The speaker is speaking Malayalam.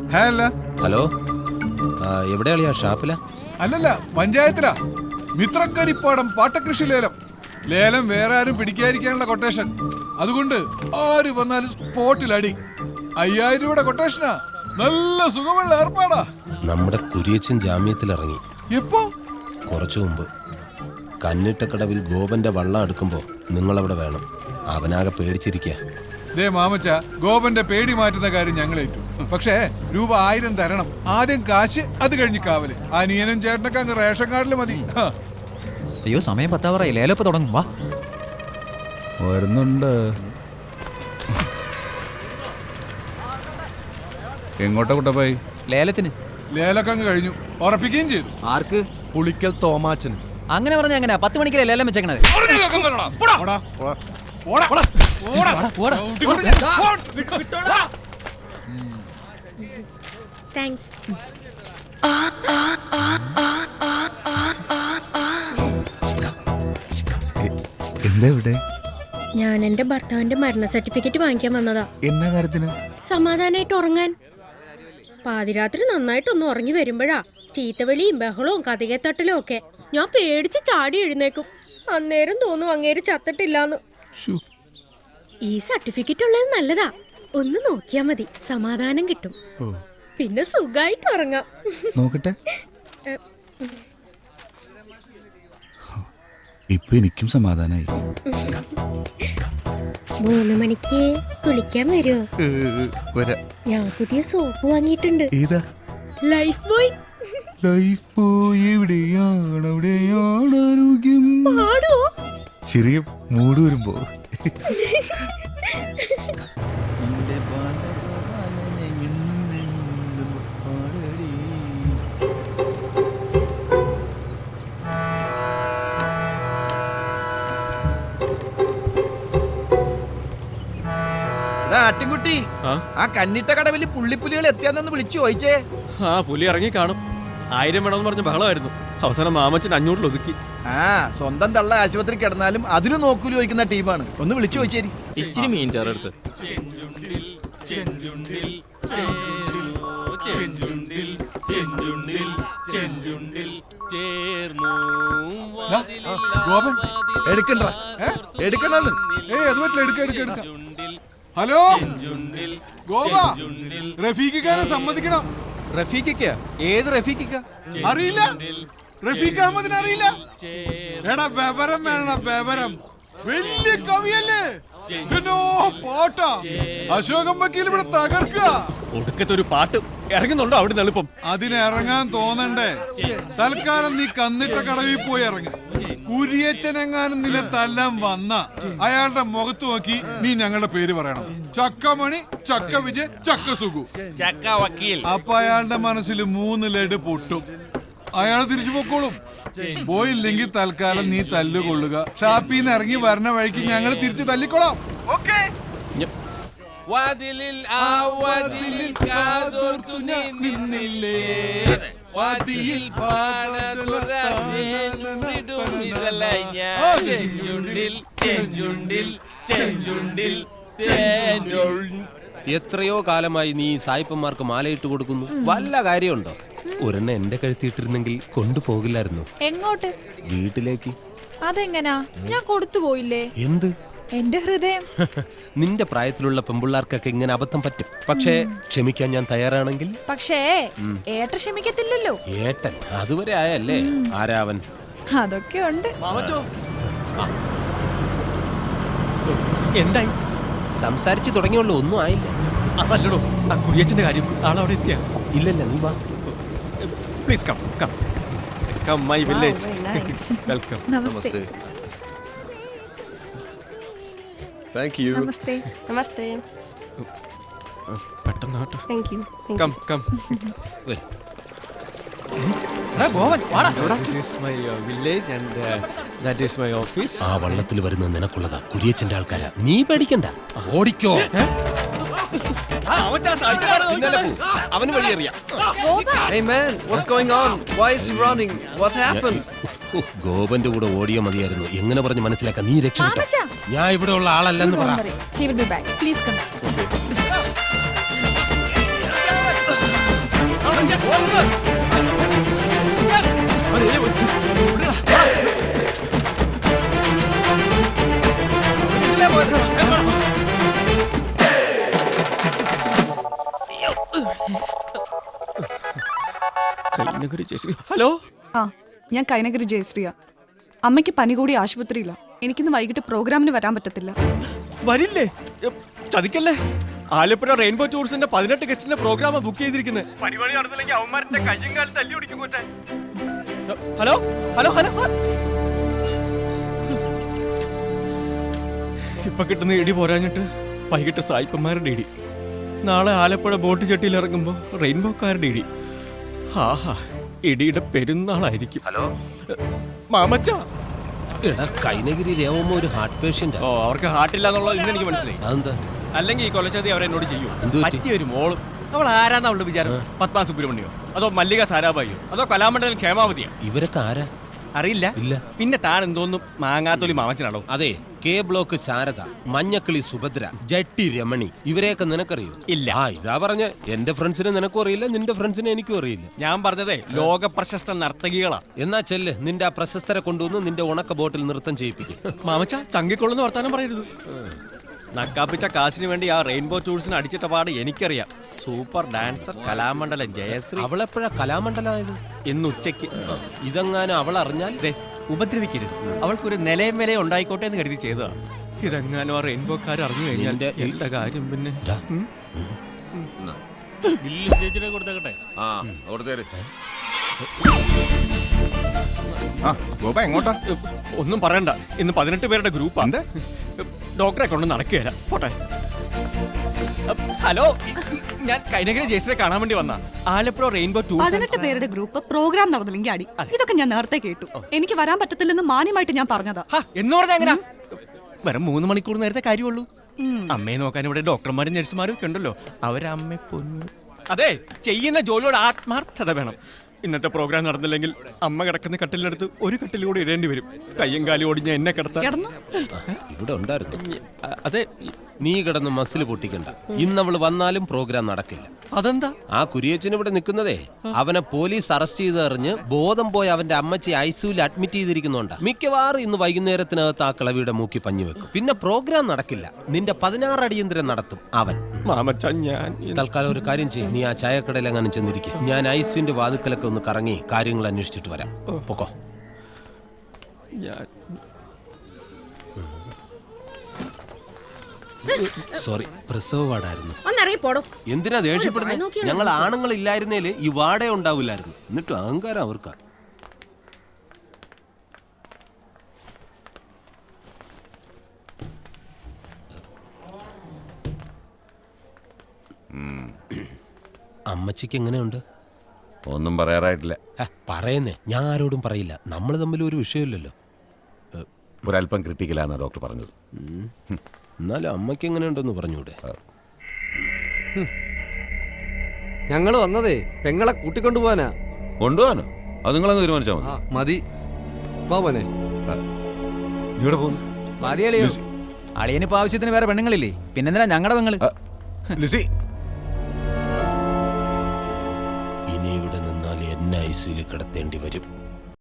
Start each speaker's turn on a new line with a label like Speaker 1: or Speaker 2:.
Speaker 1: ഹലോ, എവിടെയാളിയാ? ഷാപ്പില?
Speaker 2: അല്ലല്ല, പഞ്ചായത്തിലാ. മിത്രക്കരിപ്പാടം പാട്ടകൃഷി ലേലം. ലേലം വേറെ ആരും പിടിക്കാതിരിക്കാനുള്ള കൊട്ടേഷൻ. അതുകൊണ്ട് ആര് വന്നാലും സ്പോട്ടിൽ അടി. 5000 രൂപയുടെ കൊട്ടേഷനാ. നല്ല സുഖമുള്ള ഏർപ്പാടാ.
Speaker 1: നമ്മുടെ കുരിയച്ചൻ ജാമ്യത്തിലിറങ്ങി.
Speaker 2: എപ്പോ?
Speaker 1: കുറച്ചു മുമ്പ്. കന്നിട്ടക്കടവിൽ ഗോപന്റെ വള്ളം എടുക്കുമ്പോ നിങ്ങളവിടെ വേണം. അവനാകെ പേടിച്ചിരിക്കുക.
Speaker 2: ദേ മാമച്ച, ഗോപന്റെ പേടി മാറ്റുന്ന കാര്യം ഞങ്ങളേറ്റു. പക്ഷേ രൂപ 1000 തരണം. ആദ്യം കാശ്, അത് കഴിഞ്ഞ് കാവല്. അനിയനും ചേട്ടനൊക്കെ അങ്ങ് റേഷൻ കാർഡിൽ മതി.
Speaker 3: അയ്യോ, സമയം 10 ലേലപ്പ് തുടങ്ങും. വാ,
Speaker 2: വരുന്നുണ്ട്. എങ്ങോട്ടാ കുട്ടപ്പായി?
Speaker 3: ലേലത്തിന്.
Speaker 2: ലേലൊക്കെ അങ്ങ് കഴിഞ്ഞു. ഉറപ്പിക്കുകയും ചെയ്തു.
Speaker 3: ആർക്ക്?
Speaker 4: പുളിക്കൽ തോമാച്ചന്.
Speaker 3: അങ്ങനെ പറഞ്ഞ എങ്ങനെയാ 10 മണിക്കല്ലേ ലേലം വെച്ചേക്കണത്?
Speaker 5: താങ്ക്സ്.
Speaker 4: എന്താ ഇവിടെ?
Speaker 5: ഞാൻ എന്റെ ഭർത്താവിന്റെ മരണ സർട്ടിഫിക്കറ്റ് വാങ്ങിക്കാൻ വന്നതാ.
Speaker 4: എന്നാ കാര്യത്തിന്?
Speaker 5: സമാധാനായിട്ട് ഉറങ്ങാൻ. പാതിരാത്രി നന്നായിട്ടൊന്ന് ഉറങ്ങി വരുമ്പോഴാ ചീത്തവിളിയും ബഹളവും കഥകത്തട്ടലും ഒക്കെ. ഞാൻ പേടിച്ച് ചാടി എഴുന്നേക്കും. അന്നേരം തോന്നും അങ്ങേര് ചത്തിട്ടില്ലാന്ന്. ഈ സർട്ടിഫിക്കറ്റ് ഉള്ളത് നല്ലതാ. ഒന്ന് നോക്കിയാ മതി, സമാധാനം കിട്ടും. പിന്നെ സുഖായിട്ട് ഉറങ്ങാം.
Speaker 4: നോക്കട്ടെ. ഇപ്പൊ എനിക്കും സമാധാനായി.
Speaker 5: 3 മണിക്ക് കുളിക്കാൻ വരുമോ? ഞാൻ പുതിയ സോപ്പ് വാങ്ങിയിട്ടുണ്ട്.
Speaker 4: ഏതാ?
Speaker 5: Life boy.
Speaker 4: ലൈഫ് ബോയ് എവിടെയാണ്? അവിടെയാണ് ആരോഗ്യം.
Speaker 5: പാടോ?
Speaker 4: ചെറിയ മൂട് വരുമ്പോ.
Speaker 6: ആട്ടിൻകുട്ടി, ആ കന്നിട്ട കടവില് പുള്ളിപ്പുലികൾ എത്തിയാന്ന് വിളിച്ചു ചോദിച്ചേ.
Speaker 7: ആ, പുലി ഇറങ്ങി കാണും. 1000 വേണമെന്ന് പറഞ്ഞ ബഹളമായിരുന്നു. അവസാനം മാമച്ചൻ 500 ഒതുക്കി.
Speaker 6: ആ, സ്വന്തം തള്ള ആശുപത്രി കിടന്നാലും അതിന് നോക്കൂലി ചോദിക്കുന്ന ടീമാണ്. ഒന്ന് വിളിച്ചു ചോദിച്ചേരി.
Speaker 7: ഇച്ചിരി മീൻ ചേർത്ത്.
Speaker 2: ഗോപൻ
Speaker 6: എടുക്കണ്ട, എടുക്കണ്ടെന്ന്.
Speaker 2: അത് പറ്റില്ല. എടുക്ക. ഹലോ ഗോപ, റഫീഖിക്കാരെ സമ്മതിക്കണം.
Speaker 6: റഫീഖിക്ക? ഏത് റഫീഖിക്ക?
Speaker 2: അറിയില്ല? റഫീഖ് അഹമ്മദിനെ അറിയില്ല? എടാ ബബരം വേണ, ബബരം. വലിയ കവിയല്ലേ? പാട്ടാ. അശോകം വക്കീൽ ഇവിടെ തകർക്കുക.
Speaker 7: ഒടുക്കത്തെ ഒരു പാട്ട് ഇറങ്ങുന്നുണ്ടോ അവിടെ എളുപ്പം?
Speaker 2: അതിന് ഇറങ്ങാൻ തോന്നണ്ടേ? തൽക്കാലം നീ കന്നിട്ട കടവിൽ പോയി ഇറങ്ങ. കുരിയച്ചനെങ്ങാനും നിലത്തെല്ലാം വന്ന അയാളുടെ മുഖത്ത് നോക്കി നീ ഞങ്ങളുടെ പേര് പറയണം. ചക്കമണി, ചക്ക വിജയ്, ചക്ക സുഖു,
Speaker 7: ചക്ക വക്കീൽ.
Speaker 2: അപ്പൊ അയാളുടെ മനസ്സിൽ 3 ലഡ് പൊട്ടും. അയാൾ തിരിച്ചു പൊക്കോളും. പോയില്ലെങ്കിൽ തൽക്കാലം നീ തല്ലുകൊള്ളുക. ഷാപ്പിന്ന് ഇറങ്ങി വരണ വഴിക്ക് ഞങ്ങൾ തിരിച്ചു തല്ലിക്കൊള്ളാം.
Speaker 1: എത്രയോ കാലമായി നീ സായിപ്പന്മാർക്ക് മാലയിട്ട് കൊടുക്കുന്നു. വല്ല കാര്യമുണ്ടോ? ഒരെണ്ണം എന്റെ കഴുത്തിയിട്ടിരുന്നെങ്കിൽ കൊണ്ടുപോകില്ലായിരുന്നു.
Speaker 8: എങ്ങോട്ട്?
Speaker 1: വീട്ടിലേക്ക്.
Speaker 8: അതെങ്ങനാ? ഞാൻ കൊടുത്തു പോയില്ലേ?
Speaker 1: എന്ത്?
Speaker 8: എന്റെ ഹൃദയം.
Speaker 1: നിന്റെ പ്രായത്തിലുള്ള പെമ്പിള്ളാർക്കൊക്കെ ഇങ്ങനെ അബദ്ധം പറ്റും. പക്ഷേ ക്ഷമിക്കാൻ ഞാൻ തയ്യാറാണെങ്കിൽ.
Speaker 8: പക്ഷേ ഏട്ടൻ ക്ഷമിക്കത്തില്ലല്ലോ.
Speaker 1: ഏട്ടൻ അതുവരെ ആയല്ലേ? ആരാവൻ?
Speaker 8: അതൊക്കെ ഉണ്ട്.
Speaker 7: എന്തായി?
Speaker 1: സംസാരിച്ചു തുടങ്ങിയുള്ളൂ, ഒന്നും ആയില്ല.
Speaker 7: അതല്ലടോ ആ കുരിയച്ചന്റെ കാര്യം. ആളവിടെ എത്തിയ?
Speaker 1: ഇല്ലല്ല, നീ വാ.
Speaker 7: Please come come come my village. Welcome.
Speaker 8: Namaste.
Speaker 7: Thank you.
Speaker 8: Namaste.
Speaker 5: Namaste.
Speaker 7: പെട്ടെന്ന് കേട്ടോ.
Speaker 5: Thank you.
Speaker 7: Come come.
Speaker 3: ഗോവൻ വാടാ.
Speaker 7: This is my village and that is my office.
Speaker 1: ആ വള്ളത്തിൽ വരുന്നത് നിനക്കുള്ളതാ. കുരിയച്ചന്റെ ആൾക്കാരാ. നീ പേടിക്കണ്ട, ഓടിക്കോ. അവന് വഴിയറിയാം.
Speaker 6: Hey man, what's going on? Why is he running? What happened?
Speaker 1: ഗോപന്റെ കൂടെ ഓടിയോ മതിയായിരുന്നു. എങ്ങനെ പറഞ്ഞ് മനസ്സിലാക്കാം? നീ രക്ഷപ്പെട്ടോ.
Speaker 8: മാമച്ചാ.
Speaker 1: ഞാൻ ഇവിടെ ഉള്ള ആളല്ലെന്ന് പറ.
Speaker 8: He will be back. Please come.
Speaker 7: Hello,
Speaker 9: ആ, ഞാൻ കൈനഗരി ജയശ്രീയ. അമ്മയ്ക്ക് പനി കൂടി ആശുപത്രിയില്ല. എനിക്കിന്ന് വൈകിട്ട് പ്രോഗ്രാമിന് വരാൻ പറ്റത്തില്ല.
Speaker 7: വരില്ലേ? ചതിക്കല്ലേ. ആലപ്പുഴ റെയിൻബോ ടൂറിസ്റ്റിന്റെ 18 ഗസ്റ്റിന്റെ പ്രോഗ്രാം ബുക്ക് ചെയ്തിരിക്കുന്നത്. ഹലോ ഹലോ ഹലോ, ഇപ്പൊ കിട്ടുന്ന ഇടി പോരാഞ്ഞിട്ട് വൈകിട്ട് സായിപ്പന്മാരുടെ ഇടി. നാളെ ആലപ്പുഴ ബോട്ട് ചട്ടിയിൽ ഇറങ്ങുമ്പോ റെയിൻബോക്കാരുടെ ഇടി. ആഹാ, ഇടിയുടെ പെരുന്നാളായിരിക്കും. ഹലോ മാമച്ച.
Speaker 1: എടാ കൈനഗിരി രേവമ്മ ഒരു ഹാർട്ട് പേഷ്യന്റ്.
Speaker 7: ഓ, അവർക്ക് ഹാർട്ടില്ല എന്നുള്ളത് ഇന്ന് എനിക്ക് മനസ്സിലായി.
Speaker 1: അതെന്താ?
Speaker 7: അല്ലെങ്കിൽ ഈ കൊലച്ചതി അവരെന്നോട് ചെയ്യും.
Speaker 1: എന്ത് പറ്റി?
Speaker 7: പറ്റിയൊരു മോളും. അവൾ ആരാന്ന് അവളുടെ വിചാരം? പത്മ സുബ്രഹ്മണ്യോ, അതോ മല്ലിക സാരാഭായിയോ, അതോ കലാമണ്ഡലം ക്ഷേമാവതിയോ?
Speaker 1: ഇവരൊക്കെ ആരാ?
Speaker 7: അറിയില്ല.
Speaker 1: ഇല്ല.
Speaker 7: പിന്നെ താൻ എന്തോന്നും മാങ്ങാത്തൊലി മാമച്ചനാണോ?
Speaker 1: അതെ, കെ ബ്ലോക്ക് ശാരദ, മഞ്ഞക്കിളി സുഭദ്ര, ജട്ടി രമണി, ഇവരെയൊക്കെ നിനക്കറിയോ?
Speaker 7: ഇല്ല.
Speaker 1: ആ ഇതാ പറഞ്ഞ എന്റെ ഫ്രണ്ട്സിനെ നിനക്കും അറിയില്ല, നിന്റെ ഫ്രണ്ട്സിനെ എനിക്കും അറിയില്ല.
Speaker 7: ഞാൻ പറഞ്ഞതേ ലോക പ്രശസ്ത നർത്തകികളാ.
Speaker 1: എന്നാ ചെല്ല്, നിന്റെ ആ പ്രശസ്തരെ കൊണ്ടുവന്ന് നിന്റെ ഉണക്ക ബോട്ടിൽ നൃത്തം ചെയ്യിപ്പിക്കും.
Speaker 7: മാമച്ച ചങ്കിക്കൊള്ളുന്ന വർത്താനം പറയരുത്. നക്കാപ്പിച്ച കാശിന് വേണ്ടി ആ റെയിൻബോ ടൂൾസിന് അടിച്ചിട്ട പാട് എനിക്കറിയാം. Super dancer Kalamandalam Jayashree.
Speaker 1: അവളെപ്പോഴാ കലാമണ്ഡലമായത്?
Speaker 7: ഇന്ന് ഉച്ചയ്ക്ക്.
Speaker 1: ഇതെങ്ങാനും അവൾ അറിഞ്ഞാൽ
Speaker 7: ഉപദ്രവിക്കരുത്. അവൾക്കൊരു നിലയും വിലയും ഉണ്ടായിക്കോട്ടെ എന്ന് കരുതി ചെയ്തതാ. ഇതെങ്ങാനും ആ റെയിൻബോക്കാർ അറിഞ്ഞു കഴിഞ്ഞാൽ എന്റെ കാര്യം പിന്നെ.
Speaker 4: എങ്ങോട്ടാ?
Speaker 7: ഒന്നും പറയണ്ട, ഇന്ന് 18 പേരുടെ ഗ്രൂപ്പാ. ഡോക്ടറെ കൊണ്ട് നടക്കുകയല്ല. പോട്ടെ. ഹലോ, ഞാൻ കൈനഗിരി ജയശ്രീയെ കാണാൻ വേണ്ടി വന്ന ആലപ്പുഴ റെയിൻബോ ടൂർ.
Speaker 9: 18 പേരുടെ ഗ്രൂപ്പ് പ്രോഗ്രാം നടന്നില്ലെങ്കിൽ അടി. ഇതൊക്കെ ഞാൻ നേരത്തെ കേട്ടു. എനിക്ക് വരാൻ പറ്റത്തില്ലെന്ന് മാന്യമായിട്ട് ഞാൻ പറഞ്ഞതാ.
Speaker 7: എന്ന് പറഞ്ഞാ എങ്ങനെയാ? വെറും 3 മണിക്കൂർ നേരത്തെ കാര്യമുള്ളൂ. അമ്മയെ നോക്കാൻ ഇവിടെ ഡോക്ടർമാരും നഴ്സുമാരും ഒക്കെ ഉണ്ടല്ലോ. അവരമ്മ പൊന്നു. അതെ, ചെയ്യുന്ന ജോലിയോട് ആത്മാർത്ഥത വേണം. ഇന്നത്തെ പ്രോഗ്രാം നടന്നില്ലെങ്കിൽ അമ്മ കിടക്കുന്ന കട്ടിലിനടുത്ത് ഒരു കട്ടിൽ കൂടി ഇടേണ്ടി വരും. കയ്യും കാലും ഓടിഞ്ഞ എന്നെ കിടത്താൻ.
Speaker 1: ഇവിടെ ഉണ്ടായിരുന്നു.
Speaker 7: അതെ,
Speaker 1: നീ കിടന്ന് മസിൽ പൊട്ടിക്കണ്ട. ഇന്നവള് വന്നാലും പ്രോഗ്രാം നടക്കില്ല.
Speaker 7: അതെന്താ?
Speaker 1: ആ കുരിയച്ചൻ ഇവിടെ നിൽക്കുന്നതേ അവനെ പോലീസ് അറസ്റ്റ് ചെയ്തറിഞ്ഞ് ബോധം പോയി അവന്റെ അമ്മച്ചി ഐസിയുവിൽ അഡ്മിറ്റ് ചെയ്തിരിക്കുന്നുണ്ട്. മിക്കവാറും ഇന്ന് വൈകുന്നേരത്തിനകത്ത് ആ കിളവിയുടെ മൂക്കി പഞ്ഞു വെക്കും. പിന്നെ പ്രോഗ്രാം നടക്കില്ല. നിന്റെ 16 അടിയന്തരം നടത്തും അവൻ.
Speaker 7: മാമച്ച, ഞാൻ
Speaker 1: തൽക്കാലം ഒരു കാര്യം ചെയ്യും. നീ ആ ചായക്കടയിൽ അങ്ങനെ ചെന്നിരിക്കും. ഞാൻ ഐസിയുന്റെ വാതുക്കലൊക്കെ ഒന്ന് കറങ്ങി കാര്യങ്ങൾ അന്വേഷിച്ചിട്ട് വരാം. പൊക്കോ. സോറി, പ്രസവ വാർഡായിരുന്നു.
Speaker 5: ഒന്നിറങ്ങിപ്പോടും.
Speaker 1: എന്തിനാ ദേഷ്യപ്പെടുന്നത്? ഞങ്ങൾ ആണുങ്ങൾ ഇല്ലായിരുന്നേല് ഈ വാടേ ഉണ്ടാവില്ലായിരുന്നു. എന്നിട്ടും അഹങ്കാരം അവർക്കാ. അമ്മച്ചിക്ക് എങ്ങനെയുണ്ട്?
Speaker 4: ഒന്നും പറയാറായിട്ടില്ല.
Speaker 1: പറയുന്നേ, ഞാൻ ആരോടും പറയില്ല. നമ്മൾ തമ്മിൽ ഒരു വിഷയമില്ലല്ലോ.
Speaker 4: ഒരല്പം ക്രിട്ടിക്കലാണ് ഡോക്ടർ പറഞ്ഞത്.
Speaker 1: എന്നാലും അമ്മയ്ക്ക് എങ്ങനെയുണ്ടെന്ന് പറഞ്ഞൂടെ?
Speaker 10: ഞങ്ങൾ വന്നതേ പെങ്ങളെ കൂട്ടിക്കൊണ്ടുപോവാനാ.
Speaker 4: കൊണ്ടുപോകാനോ? അത് നിങ്ങളങ്ങ് തീരുമാനിച്ചാൽ
Speaker 10: മതി. പോവനെ
Speaker 4: ഇവിടെ പോകുന്നു.
Speaker 3: മതിയളിയോ? അളിയനിപ്പോ ആവശ്യത്തിന് വേറെ പെണ്ണുങ്ങളില്ലേ? പിന്നെന്തിനാ ഞങ്ങളുടെ പെങ്ങള്?
Speaker 4: ലിസി,
Speaker 1: ഇനി ഇവിടെ നിന്നാൽ എന്നെ ഐസിയിൽ കിടത്തേണ്ടി വരും.